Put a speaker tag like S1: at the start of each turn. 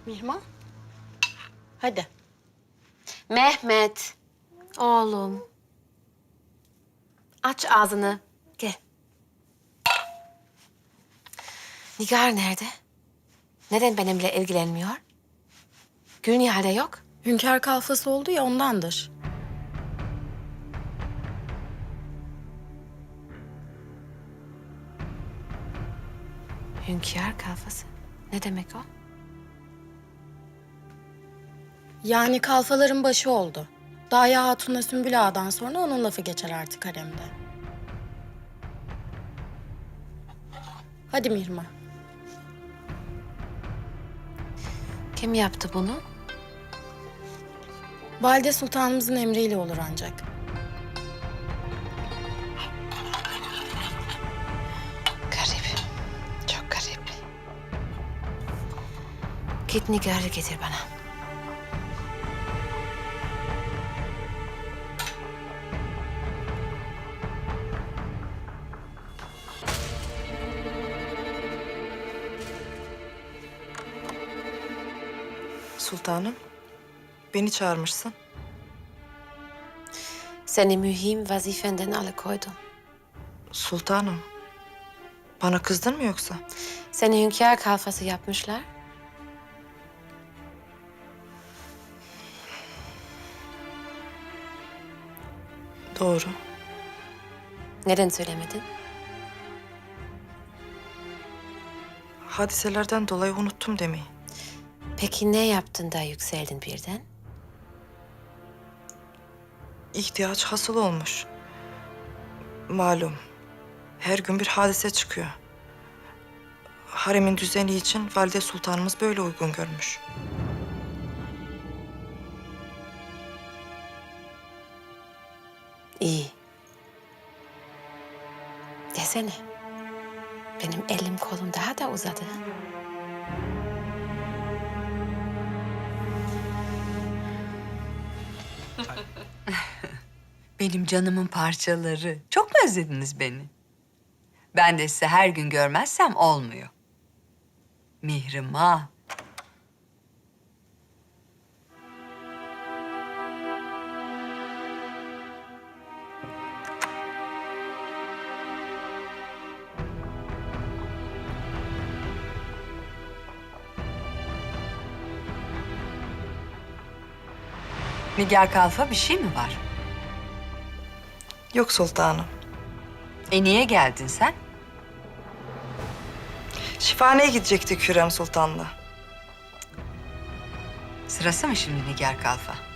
S1: Mihman. Hadi.
S2: Mehmet, oğlum. Aç ağzını, gel. Nigar nerede? Neden benimle ilgilenmiyor? Gülnihal'de yok.
S1: Hünkâr kalfası oldu ya ondandır.
S2: Hünkâr kalfası. Ne demek o?
S1: Yani kalfaların başı oldu. Daya Hatun'la Sümbül Ağa'dan sonra onun lafı geçer artık haremde. Hadi Mihrimah.
S2: Kim yaptı bunu?
S1: Valide Sultanımızın emriyle olur ancak.
S2: Garip. Çok garip. Git Nigar'ı getir bana.
S3: Sultanım, beni çağırmışsın.
S2: Seni mühim vazifenden alıkoydum.
S3: Sultanım, bana kızdın mı yoksa?
S2: Seni hünkâr kalfası yapmışlar.
S3: Doğru.
S2: Neden söylemedin?
S3: Hadiselerden dolayı unuttum demeyi.
S2: Peki ne yaptın da yükseldin birden?
S3: İhtiyaç hasıl olmuş. Malum, her gün bir hadise çıkıyor. Haremin düzeni için Valide Sultanımız böyle uygun görmüş.
S2: İyi. Desene. Benim elim kolum daha da uzadı.
S4: Benim canımın parçaları. Çok mu özlediniz beni? Ben de sizi her gün görmezsem olmuyor. Mihrimah. Nigar Kalfa bir şey mi var?
S3: Yok sultanım.
S4: Niye geldin sen?
S3: Şifaneye gidecektik Hürrem Sultan'la.
S4: Sırası mı şimdi Nigar Kalfa?